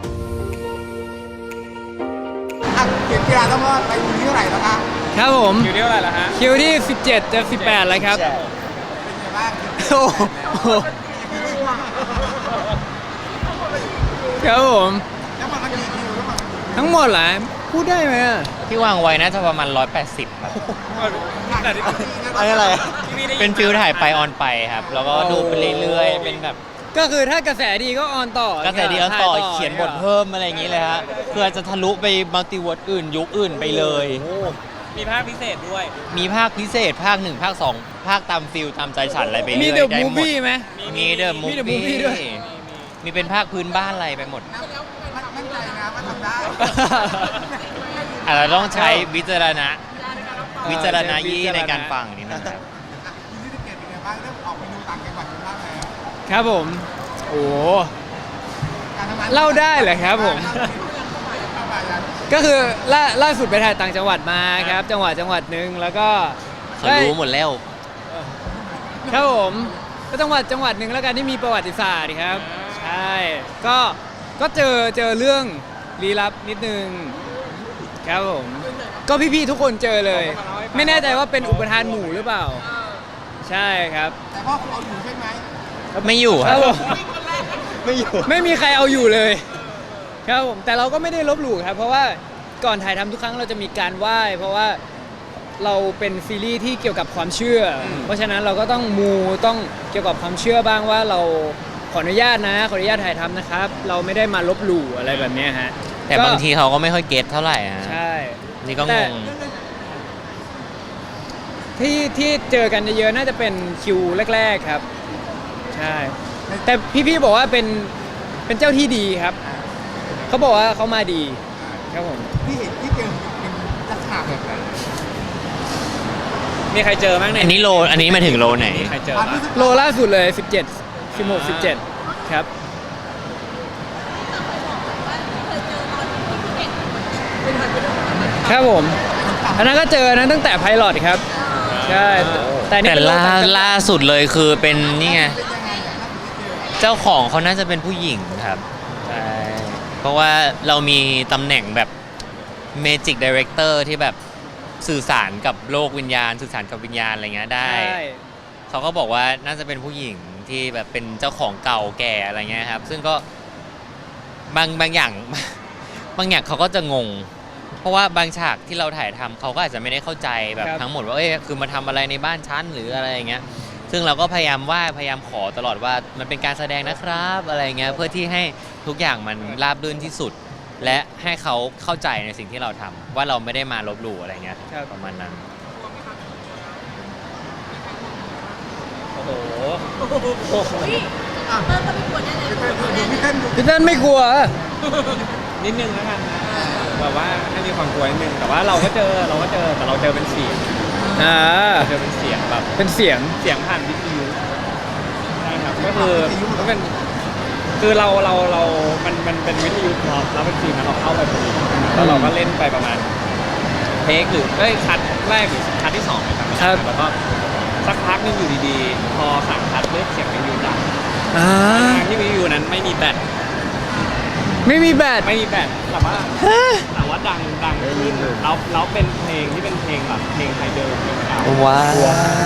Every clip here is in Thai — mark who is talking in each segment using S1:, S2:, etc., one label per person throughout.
S1: เขียนกีฬาต้องรอดไปอยู่ที่เท่าไหร่แล้วคะ
S2: ครับผม
S3: คิวที่เท่าไหร่แล้วฮะ
S2: คิวที่17จะ18แล้วครับ
S1: เป็นไงบ้าง
S2: โอ้โหครับผม
S1: แล้วมันกี่คิวแล้วมัน
S2: ทั้งหมดเหรอพูดได้ไหมอะ
S4: ที่วางไว้น่าจะประมาณ180ครับ
S1: อะไร
S4: เป็นฟิลถ่ายไปออนไปครับ แล้วก็ดูไปเรื่อยๆ เป็นแบบ
S2: ก็คือถ้ากระแสดีก็ออนต่อก
S4: ระแสดีแล้วต่อเขียนบทเพิ่มอะไรอย่างนี้เลยฮะเพื่อจะทะลุไปมัลติเวิร์สอื่นยุคอื่นไปเลย
S3: มีภาคพิเศษด้วย
S4: มีภาคพิเศษภาค1ภาค2ภาคตามฟิลตามใจฉันอะไรไป
S2: มี
S4: เรื่อย
S2: เดอะ
S4: ได้
S2: มู
S4: หมด
S2: ฟี่ไหม
S4: มีเดอะมู
S2: มี The
S4: ฟี่
S2: Movie ด้วย
S4: มีเป็นภาคพื้นบ้านอะไรไปหมด
S1: มั่นใจนะว่าทำได้
S4: อาจจะต้องใช้วิจารณญาณในการฟังนิดนึงครับ
S1: ที่ที่เก็บเป็นไงบ้างเริ่มออกไปดูต่างจังหวัดกันบ้างแล้ว
S2: ครับผมโอ้
S1: การทำงาน
S2: เล่าได้เหรอครับผม ก็คือล่าสุดไปถ่ายต่างจังหวัดมาครับ จังหวัดหนึ่งแล้วก็
S4: เขารู้หมดแล้ว
S2: ครับผมก็จังหวัดหนึ่งแล้วกันที่มีประวัติศาสตร์ครับ ใช่ก็เจอเรื่องลี้ลับนิดนึงครับผมก็พี่ๆทุกคนเจอเลย ไม่แน่ใจว่าเป็นอุปทานหมู่หรือเปล่า ใช่ครับ
S1: แต่พ่อคุณเอาอยู่ใช่ไหม
S4: ไม่อยู่
S2: ค
S4: ค
S2: รั
S4: รั
S2: บบ ผม
S1: ไม่อยู่
S2: ไม่มีใครเอาอยู่เลยครับผมแต่เราก็ไม่ได้ลบหลู่ครับ เพราะว่าก่อนถ่ายทำทุกครั้งเราจะมีการไหว้เพราะว่าเราเป็นซีรีส์ที่เกี่ยวกับความเชื่ออเพราะฉะนั้นเราก็ต้องต้องเกี่ยวกับความเชื่อบ้างว่าเราขออนุญาตถ่ายทำนะครับ เราไม่ได้มาลบหลู่อะไรแบบเนี้ยฮะ
S4: แต่บางทีเขาก็ไม่ค่อยเก็ตเท่าไหร่ฮะ
S2: ใช่
S4: นี่ก็ง
S2: แต่
S4: ง
S2: ที่เจอกันเยอะๆน่าจะเป็นคิวแรกๆครับ ใช่ แต่พี่ๆบอกว่าเป็นเจ้าที่ดีครับ เขาบอกว่าเขามาดีครับผม
S1: ที่เห็นที่เจอเป็นลักษณะแบบไหน
S3: มีใครเจอบ้างใน
S4: อันนี้มาถึงโลไหน
S3: มีใครเจอ
S1: ความ
S3: บ้าง
S1: รู้สึก
S2: โลล่าสุดเลย 17 16 17 ครับ ครับผมอันนั้นก็เจอนะตั้งแต่ไพลอตครับ ใช่ แต่นี่
S4: แต่
S2: เป็นโลต่างจังหวัด
S4: ล่าสุดเลยคือเป็นนี่ไงเจ้าของเขาน่าจะเป็นผู้หญิงครับใช่เพราะว่าเรามีตำแหน่งแบบ Magic Director ที่แบบสื่อสารกับโลกวิญญาณ สื่อสารกับวิญญาณอะไรเงี้ยได้
S2: ใช่
S4: เขาก็บอกว่าน่าจะเป็นผู้หญิงที่แบบเป็นเจ้าของเก่าแก่อะไรเงี้ยครับ ซึ่งก็บางอย่าง บางอย่างเขาก็จะงง เพราะว่าบางฉากที่เราถ่ายทำเขาก็อาจจะไม่ได้เข้าใจแบบทั้งหมดว่าคือมาทำอะไรในบ้านชั้นหรืออะไรอย่างเงี้ย ซึ่งเราก็พยายามพยายามขอตลอดว่ามันเป็นการแสดงนะครับอะไรเงี้ยเพื่อที่ให้ทุกอย่างมันราบรื่นที่สุด และให้เขาเข้าใจในสิ่งที่เราทำว่าเราไม่ได้มาลบหลู่อะไรเงี้ย
S2: ครับ
S4: ประมาณนั้น
S3: โอ้โห
S1: พี่เต้นดู
S2: พี่เต้นไม่กลัว
S3: นิดนึงแล้วกันนะแบบว่าให้มีความกลัวนิดนึงแต่ว่าเราก็เจอแต่เราเจอเป็นเสียง
S2: อ่า
S3: เจอเป็นเสียงแบบ
S2: เป็นเสียง
S3: เสียงผ่านวิทยุใช่ครับก็คือก็เป็นคือเรามันเป็นวิทยุพร้อมแล้วเป็นทีมนั้นเราเข้าไปพอดีแล้วเราก็เล่นไปประมาณเทคหรือคัดแรกหรือคัดที่2นะครับ
S2: ครับ
S3: แล้วก็สักพักนึงอยู่ดีๆพอสั่งคัดเเสียงวิทยุดัง
S2: อ่า
S3: ทางที่วิทยุนั้นไม่มีแบต
S2: ไม่มีแบต
S3: แต่ว่าดังขึ้นแล้วเป็นเพลงที่เป็นเพลงแบบเพลงไทยเดิมเพลงเก่า
S4: ว้าว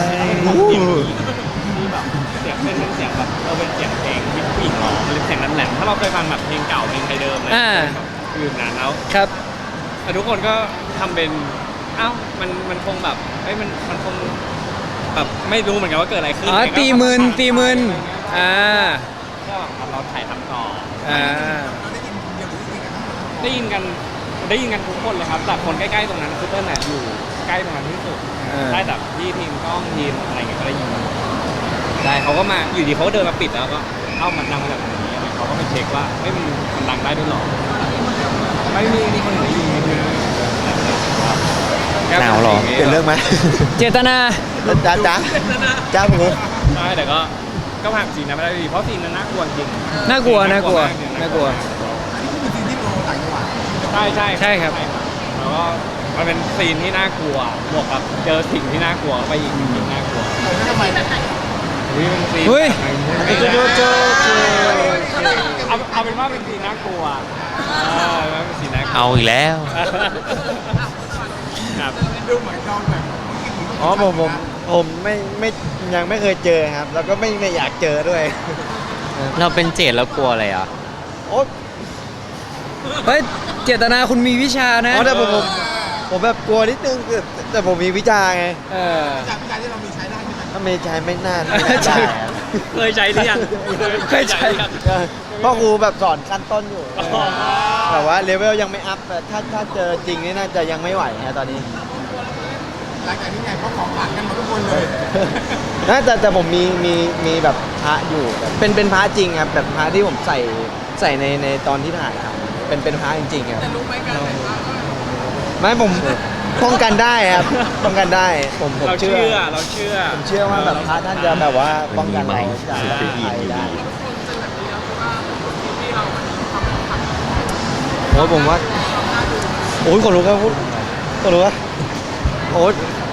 S3: ที่แบบเสียงเป็นเสียงแบบเป็นเสียงเพลงที่ผู้หญิงร้องเป็นเสียงนั้นแหลมถ้าเราเคยฟังแบบเพลงเก่าเพลงไทยเดิมเลยคือนั้นแล้ว
S2: ครับ
S3: แต่ทุกคนก็ทำเป็นมันคงแบบมันคงแบบไม่รู้เหมือนกันว่าเกิดอะไรขึ้น
S2: อ๋อตีมืนอ่า
S3: ก็เราถ่ายทำต่อ
S2: อ่า
S3: ได้ยินกันทุกคนเลยครับแต่คนใกล้ๆตรงนั้นคือเติ้ลน่ะอยู่ใกล้ตรงนั้นที่สุด ได้แบบพี่ทีมกล้องทีมอะไรเงี้ยก็ได้ยินใช่เขาก็มาอยู่ดีเขาก็เดินมาปิดแล้วก็มันดังมาจากตรงนี้เขาก็ไปเช็คว่ามันดังได้ด้วยหรอไม่มีคนอื่นได้ยิน
S4: หนาวหรอ
S1: เปลี่ยนเรื่องไหม
S2: เจตนา
S1: จ้าผม
S3: ใช่แต่ก็ผ่านซีนนั้นไม่ได้ดีเพราะซีนนั้นน่ากลัวจริง
S2: น่ากลัว
S3: น่ากลัว
S1: คือซีนที่โปรต่างจังหวัด
S3: ใช่ครับแล้วก็มันเป็นซีนที่น่ากลัวบวกกับเจอสิ่งที่น่ากลัวเข้าไปอีกยิ่งน่ากลัว
S1: แล้วทำไม
S3: อุ้ยมันซีน
S2: เฮ้ย
S3: เอาเป็นว่าเป็นซีนน่ากลัวเป็นซีนน่ากลัว
S4: เอาอีกแล้ว
S3: ครับ
S1: ดูเหมือนเราแบบ
S5: อ๋อผมไม่ยังไม่เคยเจอครับ แล้วก็ไม่อยากเจอด้วย
S4: เราเป็นเจดแล้วกลัวอะไรอ่ะ
S5: โอ้
S2: เฮ้ยเจตนาคุณมีวิชานะ
S5: แต่ผมแบบกลัวนิดนึงแต่ผมมีวิชาไง
S2: เออ
S1: จากวิชาที่เรามีใช้ได้ใช่ไหม
S5: ถ้าไม่ใช้ไม่น่า
S2: ใช่
S5: ได้ครับ
S3: เคยใช้หรือยัง
S2: เคยใช้
S3: หรือยัง
S5: พ่อครูแบบสอนขั้นต้นอยู่
S3: อ๋อ
S5: แต่ว่าเลเวลยังไม่อัพแต่ถ้าเจอจริงนี่น่าจะยังไม่ไหวฮะตอนนี้
S1: หลังจากนี้ไงเขาของขลังกันหมดทุกคนเลย
S5: แต่ผมมีแบบพระอยู่แบบเป็นพระจริงครับแบบพระที่ผมใส่ในตอนที่ถ่ายครับเป็นพระจริงๆครับ
S1: จะรู้ไหมกันเลยว่า
S5: ไม่ผมป้องกันได้ครับป้องกันได้ผม
S3: เรา
S5: เชื่
S3: เชื่
S5: อ
S3: อเราเชื่อ
S5: ผมเชื่อว่าแบบพระท่านจะแบบว่าป้องกันเราจากภัยได้โอ้ยผมว่าโอ้ยคนรู้ครับคนรู้ว่าโอ้ย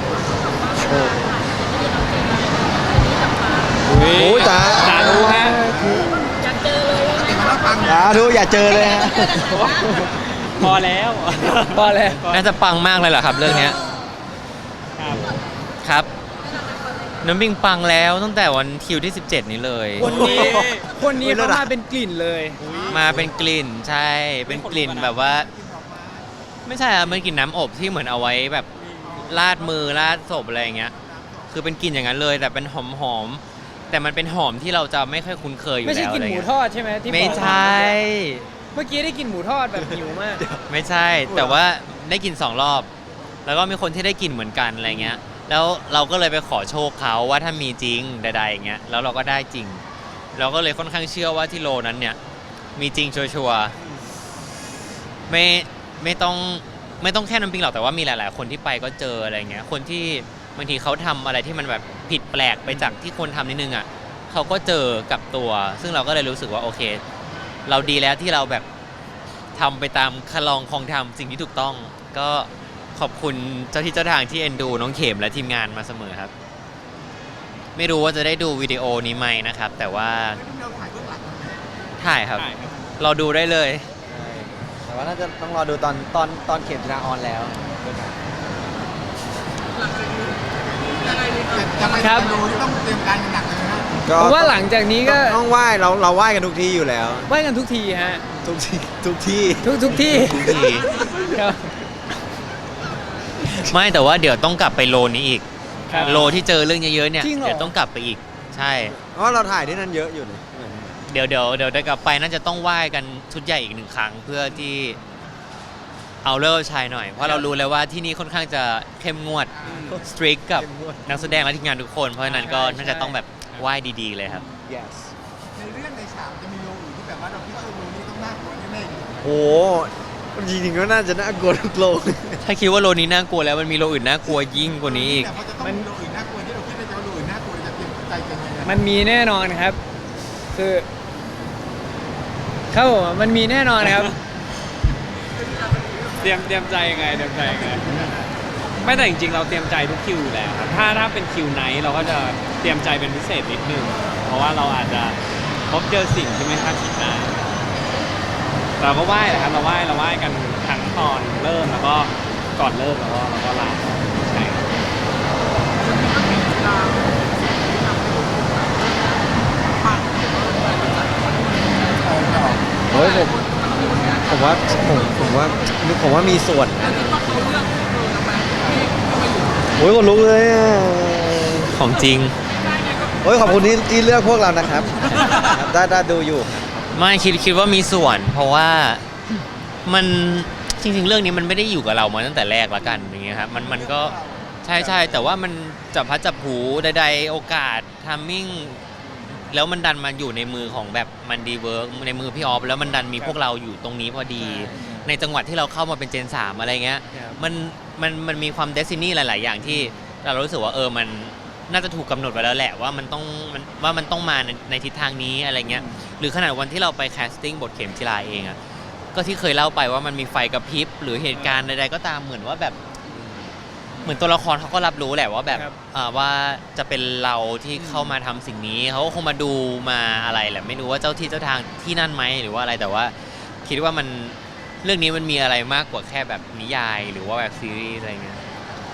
S5: โอ้ยตา
S3: สาธุฮะ
S1: ปฏิมาแล้วปัง
S5: ดูอย่าเจอเลยฮะ
S3: พอแล้ว
S2: พอแล้ว
S4: น่าจะปังมากเลยเหรอครับเรื่องเนี้ย
S3: ครับ
S4: ครับ น้ำบิงปังแล้วตั้งแต่วันคิวที่ 17 นี้เลย
S2: คนนี้เขามาเป็นกลิ่นเลย
S4: มาเป็นกลิ่นใช่ เป็นกลิ่นแบบว่า ไม่ใช่อะมันกลิ่นน้ำอบที่เหมือนเอาไว้แบบลาดมือลาดศพอะไรอย่างเงี้ย คือเป็นกลิ่นอย่างนั้นเลย แต่เป็นหอมๆแต่มันเป็นหอมที่เราจะไม่ค่อยคุ้นเคยอยู่
S2: ไม่ใช่
S4: แล้ว
S2: กลิ่น
S4: อะไร
S2: หมู
S4: เงี้ย
S2: ทอดใช่ไหมที่
S4: ไม่
S2: บอก
S4: ใช่
S2: เมื่อกี้ได้กลิ่นหมูทอดแบบหิวมาก
S4: ไม่ใช่ แต่ว่าได้กิน2 รอบ แล้วก็มีคนที่ได้กินเหมือนกันอะไรเงี้ย แล้วเราก็เลยไปขอโชคเขาว่าถ้ามีจริงใดๆอย่างเงี้ย แล้วเราก็ได้จริง เราก็เลยค่อนข้างเชื่อว่าที่โลนั้นเนี่ย มีจริงชัวร์ๆไม่ต้องแค่น้ำปิงหรอกแต่ว่ามีหลายๆ คนที่ไปก็เจออะไรเงี้ย คนที่บางทีเขาทำอะไรที่มันแบบผิดแปลกไปจากที่คนทำนิดนึงอ่ะเขาก็เจอกับตัว ซึ่งเราก็เลยรู้สึกว่าโอเค เราดีแล้วที่เราแบบทำไปตามคลองคลองธรรมสิ่งที่ถูกต้อง ก็ขอบคุณเจ้าที่เจ้าทางที่เอ็นดูน้องเข็มและทีมงานมาเสมอครับ ไม่รู้ว่าจะได้ดูวิดีโอนี้ไหมนะครับ แต่ว่า
S1: เราถ่ายเบื้องหลัง
S4: ถ่ายครับ
S3: ใช่ครับ
S4: เราดูได้เลย
S5: แต่ว่าน่าจะต้องรอดูตอนเข็มชนะออนแล้ว
S1: จะไป
S2: ครับ
S1: ดูที่ต้องเตรียมการกันหนักเลยนะ
S2: ผมว่าหลังจากนี้ก็
S5: ต้องไหว้เราไหว้กันทุกที่อยู่แล้ว
S2: ไหว้กันทุกทีฮะ
S5: ทุกที่ทุกที่
S2: ทุกที่
S4: ทุกที่
S2: ครับ
S4: ไม่แต่ว่าเดี๋ยวต้องกลับไปโลนี้อีก
S2: ครับ
S4: โลที่เจอเรื่องเยอะๆเนี่ย
S2: จริงเหรอ
S4: เดี๋ยวต้องกลับไปอีก ใช่
S5: เพราะเราถ่ายที่นั่นเยอะอยู่เลย
S4: เดี๋ยวได้กลับไปน่าจะต้องไหว้กันชุดใหญ่อีก1 ครั้ง เพื่อที่เอาเลิกชายหน่อย เพราะเรารู้แล้วว่าที่นี่ค่อนข้างจะเข้มงวดสตรีกกับนักแสดงและทีมงานทุกคน เพราะฉะนั้นก็น่าจะต้องแบบไหว้ดีๆเลยครับ
S5: yes
S1: ในเรื่องในฉากจะมีโลอื่นที่แบบว่าเราคิดว่าโลนี้ต้องน่ากลัวแน่ๆ
S5: โอ้จริงๆก็น่าจะน่ากลัวทุกโลก
S4: ถ้าคิดว่าโลนี้น่ากลัวแล้วมันมีโลอื่นน่ากลัวยิ่งกว่านี้อีก
S1: แต่พอจะต้องมีโลอื่นน่ากลัวที่เราคิดว่าจะโลอื่นน่ากลัวจะเตรียมใจกันยังไง
S2: มันมีแน่นอนครับ คือครับผมมันมีแน่นอนครับ
S3: เตรียมใจยังไงไม่แต่จริงๆเราเตรียมใจทุกคิวอยู่แล้วครับถ้าเป็นคิวไนท์เราก็จะเตรียมใจเป็นพิเศษนิดนึงเพราะว่าเราอาจจะพบเจอสิ่งที่ไม่คาดคิดได้เราก็ไหว้แหละครับเราไหว้กันทั้งตอนเริ่มแล้วก็ก่อนเริ่มแล้วก็ลาใช่ครับ
S5: เฮ้ยผมว่ามีส่วนนะโอ้ยคนลุกเลยอ่ะ
S4: ของจริง
S5: โอ้ยขอบคุณที่เลือกพวกเรานะครับ ได้ดูอยู่
S4: ไม่คิดว่ามีส่วน เพราะว่ามันจริงๆ เรื่องนี้มันไม่ได้อยู่กับเรามาตั้งแต่แรกละกันอย่างเงี้ยครับมันก็ใช่แต่ว่ามันจับพัดจับผูใดๆโอกาสทัมมิ่งแล้วมันดันมาอยู่ในมือของแบบมันดีเวิร์กในมือพี่ออฟแล้วมันดันมีพวกเราอยู่ตรงนี้พอดี ในจังหวัดที่เราเข้ามาเป็นเจน 3อะไรเงี้ย
S5: ครับ
S4: มันมีความเดซินี่หลาย ๆ อย่างที่เรารู้สึกว่ามันน่าจะถูกกำหนดไว้แล้วแหละว่ามันต้องมาในทิศทางนี้อะไรเงี้ยหรือขนาดวันที่เราไปแคสติ้งบทเข็มจิราเองอะก็ที่เคยเล่าไปว่ามันมีไฟกระพริบหรือเหตุการณ์ใด ๆ ก็ตามเหมือนว่าแบบเหมือนตัวละครเขาก็รับรู้แหละว่าแบบ
S2: ครับ
S4: ว่าจะเป็นเราที่เข้ามาทำสิ่งนี้เขาก็คงมาดูมาอะไรแหละไม่รู้ว่าเจ้าที่เจ้าทางที่นั่นไหมหรือว่าอะไรแต่ว่าคิดว่ามันเรื่องนี้มันมีอะไรมากกว่าแค่แบบนิยายหรือว่าแบบซีรีส์อะไรเงี้ย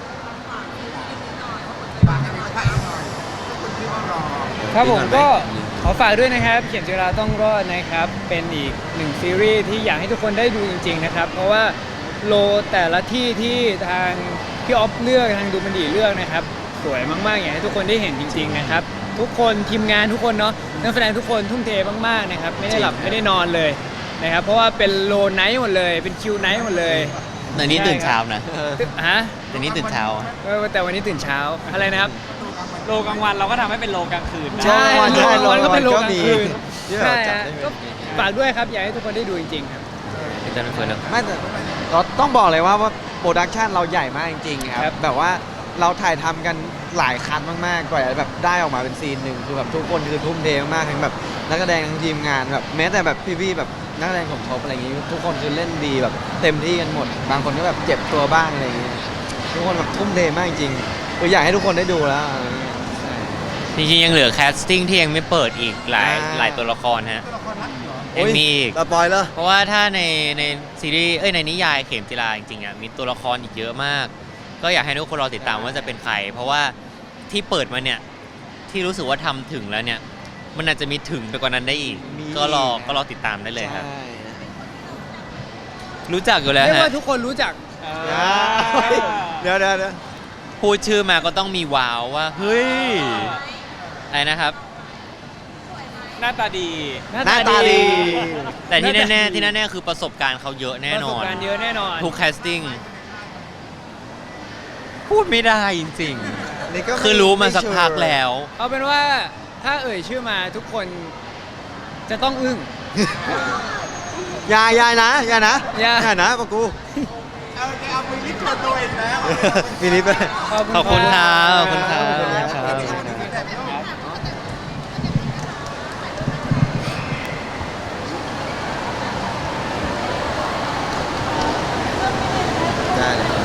S1: ฝากให้เป็นพระเอกหน่อยทุกคนที่ว่ารอ
S2: ครับผมก็ขอฝากด้วยนะครับเขียนจุฬาต้องรอดนะครับเป็นอีกหนึ่งซีรีส์ที่อยากให้ทุกคนได้ดูจริงๆนะครับเพราะว่าโลแต่ละที่ที่ทางพี่ออฟเลือกทางดูมันดีเลือกนะครับสวยมากๆอยากให้ทุกคนได้เห็นจริงๆนะครับทุกคนทีมงานทุกคนเนาะนักแสดงทุกคนทุ่มเทมากๆนะครับไม่ได้หลับไม่ได้นอนเลยนะครับเพราะว่าเป็นโลไนท์หมดเลยเป็นคิวไนท์หมดเลย
S4: แต่นี้ตื่นเช้านะ
S2: ฮะ
S4: แต่นี้ตื่นเช้า
S2: แต่วันนี้ตื่นเช้าอะไรนะครับ
S3: โลกลางวันเราก็ทำให้เป็นโลกลางคืนนะ
S2: ใช่
S5: ใช่
S2: โลกลางวันก็เป็นโลกลางคืน
S5: ที่แบบ
S2: ใช่
S5: จัด
S2: ฮะ
S5: ได้
S2: ก็ฝากด้วยครับอยากให้ทุกคนได้ดูจริงๆครับ
S4: พี่เต้นเฟิร์นแล้ว
S5: ไม่แต่เราต้องบอกเลยว่าโปรดักชันเราใหญ่มากจริงๆค
S2: ครั
S5: รับบ แบบว่าเราถ่ายทำกันหลายคันมากๆกว่าจะแบบได้ออกมาเป็นซีนหนึ่งคือแบบทุกคนคือทุ่มเทมากๆทั้งแบบนักแสดงทั้งทีมงานแบบแม้แต่แบบพี่ๆแบบนักแสดงสมทบอะไรอย่างงี้ทุกคนคือเล่นดีแบบเต็มที่กันหมด บางคนก็แบบเจ็บตัวบ้างอะไรอย่างเงี้ยทุกคนแบบทุ่มเทมากจริงๆอยากให้ทุกคนได้ดูแล้วอะไรอย่างเงี้ย
S4: จริงๆยังเหลือแคสติ้งที่ยังไม่เปิดอีกหลาย
S5: อ่า
S4: หลายตัวละครฮะ
S1: ตัวละครรักเหรอ
S4: ยังมีอีก
S5: สปอยเลอร์
S4: เพราะว่าถ้าในซีรีส์ในนิยายเข็มจิราจริงๆอ่ะมีตัวละครอีกเยอะมาก ก็อยากให้ทุกคนรอติดตามว่าจะเป็นใคร เพราะว่าที่เปิดมาเนี่ยที่รู้สึกว่าทำถึงแล้วเนี่ย มันอาจจะมีถึงไปกว่านั้นได้อีก
S5: มี
S4: ก็รอติดตามได้เลยครับ
S5: ใช่
S4: รู้จักอยู่แล้ว
S2: เรียก
S4: ฮะ
S2: ว่าทุกคนรู้จัก
S5: เดี๋ยว
S4: พูดชื่อมาก็ต้องมีว้าวว่าเฮ้ยอะไรนะครับ
S3: หน้าตาดี
S5: หน้าตาดี
S4: แต่ที่แน่ๆที่แน่ๆคือประสบการณ์เขาเยอะแน่น
S2: ประส
S4: อบ น
S2: การณ์เยอะแน่นอน
S4: ทุกแคสติ้งพูดไม่ได้จริง
S5: นี่ก็
S4: ๆ คือรู้มาสักพักแล้ว
S2: เอาเป็นว่าถ้าเอ่ยชื่อมาทุกคนจะต้องอึ้ง
S5: ยายนะยายนะ
S2: อย่า
S5: ยายนะปะกู
S1: เอาแกเอาไปลิฟต์ตัวตัวเองแล้ว
S5: มีนิดไป
S4: ขอบคุณครับขอบคุณครับ
S5: ขอบคุณครับ
S4: ครับ
S5: ได้เลย